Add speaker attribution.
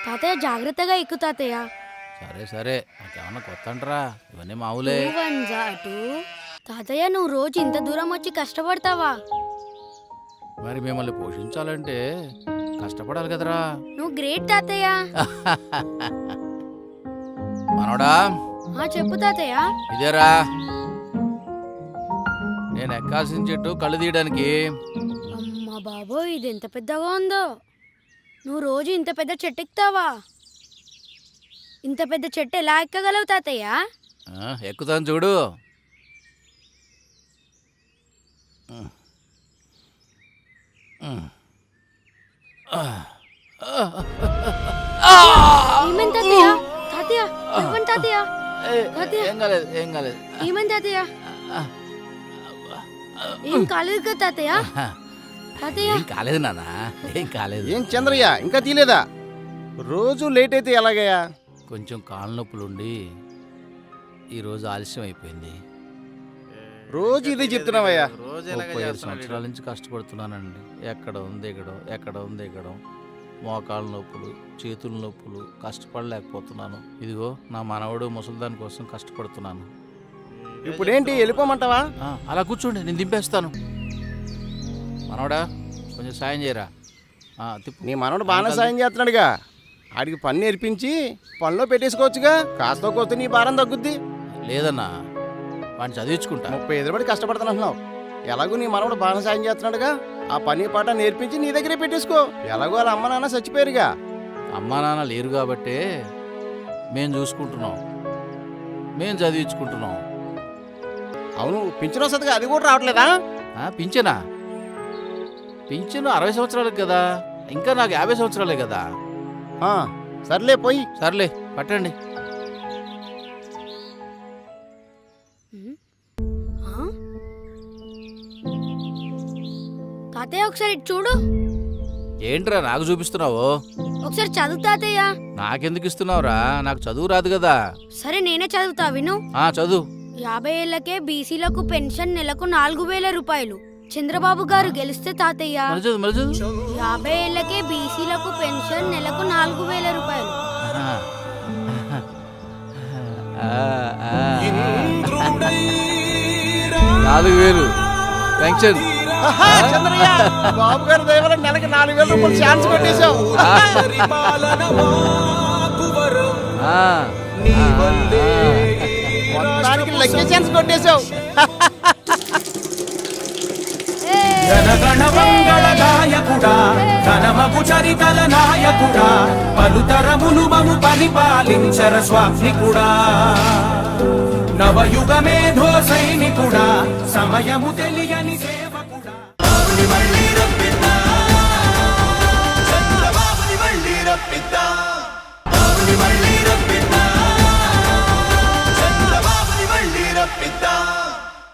Speaker 1: తాతయ్య జాగ్రత్తగా ఎక్కు తాతయ్య.
Speaker 2: సరే సరే, నాకేమన్నా కొత్త అంటరా? ఇవన్నీ మామూలే.
Speaker 1: తాతయ్య నువ్వు రోజు ఇంత దూరం వచ్చి కష్టపడతావా?
Speaker 2: మరి మిమ్మల్ని పోషించాలంటే కష్టపడాలి కదరా.
Speaker 1: నువ్వు గ్రేట్ తాతయ్య.
Speaker 2: మనోడా
Speaker 1: చెప్పు తాతయ్య.
Speaker 2: ఇదేరా నేను ఎక్కాల్సిన చెట్టు కళ్ళు తీయడానికి.
Speaker 1: అమ్మా బాబోయ్, ఇది ఎంత పెద్దగా ఉందో. నువ్వు రోజు ఇంత పెద్ద చెట్టు ఎక్కుతావా? ఇంత పెద్ద చెట్టు ఎలా ఎక్కగలవు తాతయ్య?
Speaker 2: ఎక్కుతాను చూడు.
Speaker 1: ఏమైంది తాతయ్య? తాతయ్య చెప్పండి తాతయ్య.
Speaker 2: ఏం కాలేదు, ఏం కాలేదు.
Speaker 1: ఏమైంది తాతయ్య? ఏం కాలేదు కదా తాతయ్య? తాతయ్య
Speaker 2: ఏం కాలేదు నాన్న, ఏం కాలేదు.
Speaker 3: ఏం చంద్రయ్య ఇంకా తీలేదా? రోజు లేట్ అయితే ఎలాగయ్యా?
Speaker 2: కొంచెం కాళ్ళ నొప్పులుండి ఈరోజు ఆలస్యం అయిపోయింది.
Speaker 3: రోజు ఇదే చెప్తున్నావయ్యా.
Speaker 2: 35 సంవత్సరాల నుంచి కష్టపడుతున్నానండి. ఎక్కడ ఉంది ఎక్కడం, ఎక్కడ ఉంది ఎక్కడం, మోకాళ్ళ నొప్పులు, చేతుల నొప్పులు, కష్టపడలేకపోతున్నాను. ఇదిగో నా మనవడు ముసలిదాని కోసం కష్టపడుతున్నాను.
Speaker 3: ఇప్పుడేంటి వెళ్ళిపోమంటావా?
Speaker 2: అలా కూర్చోండి, నేను దింపేస్తాను. మనవడా కొంచెం సాయం చేయరా.
Speaker 3: నీ మనవడు బాగానే సాయం చేస్తున్నాడుగా. ఆడికి పని నేర్పించి పనిలో పెట్టేసుకోవచ్చుగా. కాస్త కొత్త నీ భారం తగ్గుద్ది.
Speaker 2: లేదన్నా, వాడిని చదివించుకుంటా.
Speaker 3: 35 పడి కష్టపడుతున్నావు. ఎలాగో నీ మనవడు బాగానే సాయం చేస్తున్నాడుగా. ఆ పని పాట నేర్పించి నీ దగ్గరే పెట్టేసుకో. ఎలాగో వాళ్ళ అమ్మ నాన్న చచ్చిపోయారుగా.
Speaker 2: అమ్మా నాన్న లేరు కాబట్టే మేము చూసుకుంటున్నాం, మేము చదివించుకుంటున్నాం.
Speaker 3: అవును, పింఛన్ వస్తుందిగా, అది కూడా రావట్లేదా?
Speaker 2: పింఛనా? పింఛను 60 సంవత్సరాలకు కదా, ఇంకా నాకు 50 సంవత్సరాలే కదా.
Speaker 3: సర్లే పోయి.
Speaker 2: సర్లే పట్టండి.
Speaker 1: తాతయ్య ఒకసారి చూడు.
Speaker 2: ఏంట్రా నాకు చూపిస్తున్నావు?
Speaker 1: ఒకసారి చదువు తాతయ్య.
Speaker 2: నాకెందుకు ఇస్తున్నావురా? నాకు చదువు రాదు కదా.
Speaker 1: సరే నేనే చదువుతా, విను.
Speaker 2: చదువు.
Speaker 1: 50 ఏళ్లకే బీసీలకు పెన్షన్ నెలకు 4000 రూపాయలు. చంద్రబాబు గారు గెలిస్తే తాతయ్య 50 ఏళ్లకే బీసీలకు పెన్షన్ నెలకు 4000 రూపాయలు.
Speaker 2: 4000 పెన్షన్.
Speaker 3: చంద్రయ్య, బాబు గారి దయవల్ల నెలకి 4000 రూపాయలు ఛాన్స్ కొట్టేశావు. మొత్తానికి లక్కీ ఛాన్స్ కొట్టేశావు.
Speaker 4: జనగణమంగళదాయకుడా, ఘనమగు చరితల నాయకుడా, పలుతరములు మము పరిపాలించర స్వామికుడా, నవయుగ మేధో సైనికుడా, సమయము తెలియని